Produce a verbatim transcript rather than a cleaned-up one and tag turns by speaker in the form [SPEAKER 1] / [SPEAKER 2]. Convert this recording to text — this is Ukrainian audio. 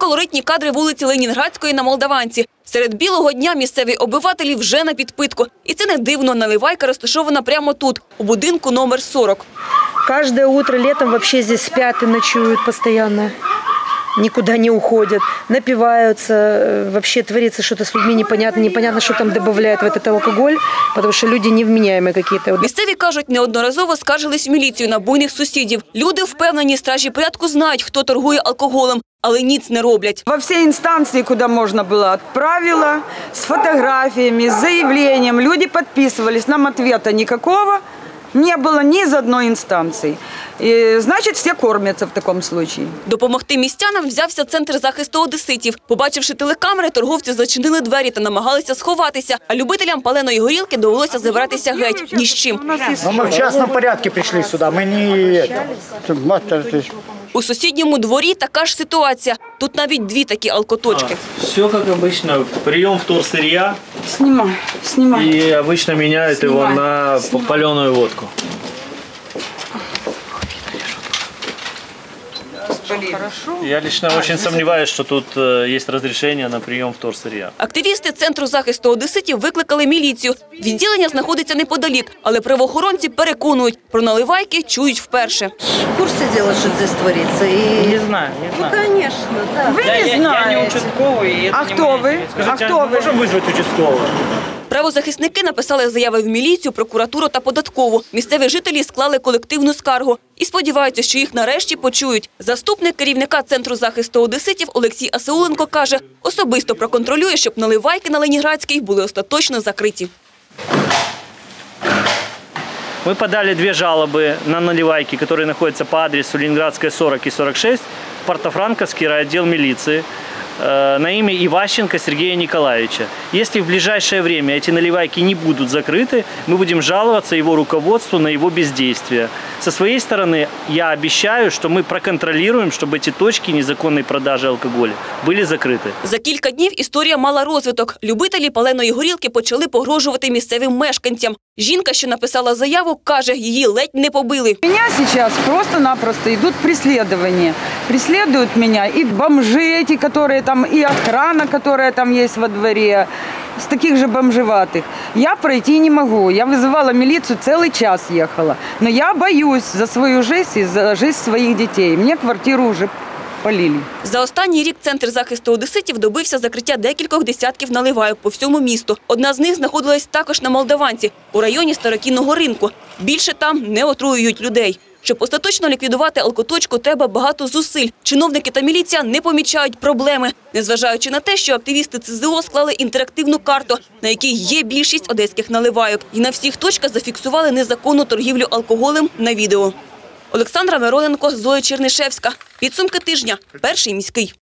[SPEAKER 1] колоритні кадри вулиці Ленінградської на Молдаванці. Серед білого дня місцеві обивателі вже на підпитку. І це не дивно, наливайка розташована прямо тут, у будинку номер сорок.
[SPEAKER 2] Каждое утро летом вообще здесь спят и ночуют постоянно. Никуда не уходят, напиваются. Вообще творится что-то с людьми непонятно. Непонятно, что там добавляют в этот алкоголь, потому что люди невменяемые какие-то.
[SPEAKER 1] Місцеві кажуть, неодноразово скаржились в міліцію на буйних сусідів. Люди впевнені, стражі порядку знають, хто торгує алкоголем, але ніц не роблять.
[SPEAKER 3] Во все инстанции, куда можно было, отправила с фотографиями, с заявлением. Люди подписывались, нам ответа никакого не было ни из одной инстанции. И, значит, все кормятся в таком случае.
[SPEAKER 1] Допомогти містянам взявся Центр захисту одеситів. Побачивши телекамери, торговці зачинили двері та намагалися сховатися. А любителям паленої горілки довелося забиратися геть. Ні з чим.
[SPEAKER 4] Но мы в частном порядке пришли сюда. Мы не...
[SPEAKER 1] У сусідньому дворі така ж ситуація. Тут навіть дві такі алкоточки.
[SPEAKER 5] А, все как обычно. Прием вторсырья.
[SPEAKER 3] Снимай, снимай.
[SPEAKER 5] И обычно меняют
[SPEAKER 3] Снимай,
[SPEAKER 5] его на
[SPEAKER 3] снимай.
[SPEAKER 5] паленую водку. Я лично очень сомневаюсь, что тут есть разрешение на прием вторсырья.
[SPEAKER 1] Активісти Центру захисту одеситів викликали міліцію. Відділення знаходиться неподалік, але правоохоронці переконують, про наливайки чують вперше.
[SPEAKER 6] В курсе дела, что здесь творится? И...
[SPEAKER 5] Не знаю, не
[SPEAKER 6] Ну,
[SPEAKER 5] знаю.
[SPEAKER 6] конечно, да.
[SPEAKER 3] Вы
[SPEAKER 5] Я,
[SPEAKER 3] не
[SPEAKER 5] я, я
[SPEAKER 3] знаете.
[SPEAKER 5] не участковый. и это
[SPEAKER 3] А
[SPEAKER 5] не
[SPEAKER 3] кто
[SPEAKER 5] моя
[SPEAKER 3] вы?
[SPEAKER 5] деятельность.
[SPEAKER 3] А
[SPEAKER 5] Скажите,
[SPEAKER 3] кто
[SPEAKER 5] а
[SPEAKER 3] вы?
[SPEAKER 5] можем вызвать участкового?
[SPEAKER 1] Правозахисники написали заяви в міліцію, прокуратуру та податкову. Місцеві жителі склали колективну скаргу і сподіваються, що їх нарешті почують. Заступник керівника Центру захисту одеситів Олексій Асауленко каже, особисто проконтролює, щоб наливайки на Ленінградській були остаточно закриті.
[SPEAKER 5] Мы подали две жалобы на наливайки, которые находятся по адресу Ленинградская, сорок и сорок шесть, в Портофранковский райотдел милиции, на имя Иващенко Сергея Николаевича. Если в ближайшее время эти наливайки не будут закрыты, мы будем жаловаться его руководству на его бездействие. Со своей стороны я обещаю, что мы проконтролируем, чтобы эти точки незаконной продажи алкоголя были закрыты.
[SPEAKER 1] За кілька днів історія мала розвиток. Любителі паленої горілки почали погрожувати місцевим мешканцям. Жінка, що написала заяву, каже, її ледь не побили.
[SPEAKER 3] Меня сейчас просто-напросто идут преследования. Преследуют меня и бомжи эти, которые там, и охрана, которая там есть во дворе, с таких же бомжеватых. Я пройти не могу. Я вызывала милицию, целый час ехала. Но я боюсь за свою жизнь и за жизнь своих детей. Мне квартиру уже полили.
[SPEAKER 1] За останній рік Центр захисту одеситів добився закриття декількох десятків наливайок по всьому місту. Одна з них знаходилась також на Молдаванці, у районі Старокінного ринку. Більше там не отруюють людей. Щоб остаточно ліквідувати алкоточку, треба багато зусиль. Чиновники та міліція не помічають проблеми, незважаючи на те, що активісти Це Зе О склали інтерактивну карту, на якій є більшість одеських наливайок. І на всіх точках зафіксували незаконну торгівлю алкоголем на відео. Олександра Мироненко, Зоя Чернишевська. Підсумки тижня. Перший міський.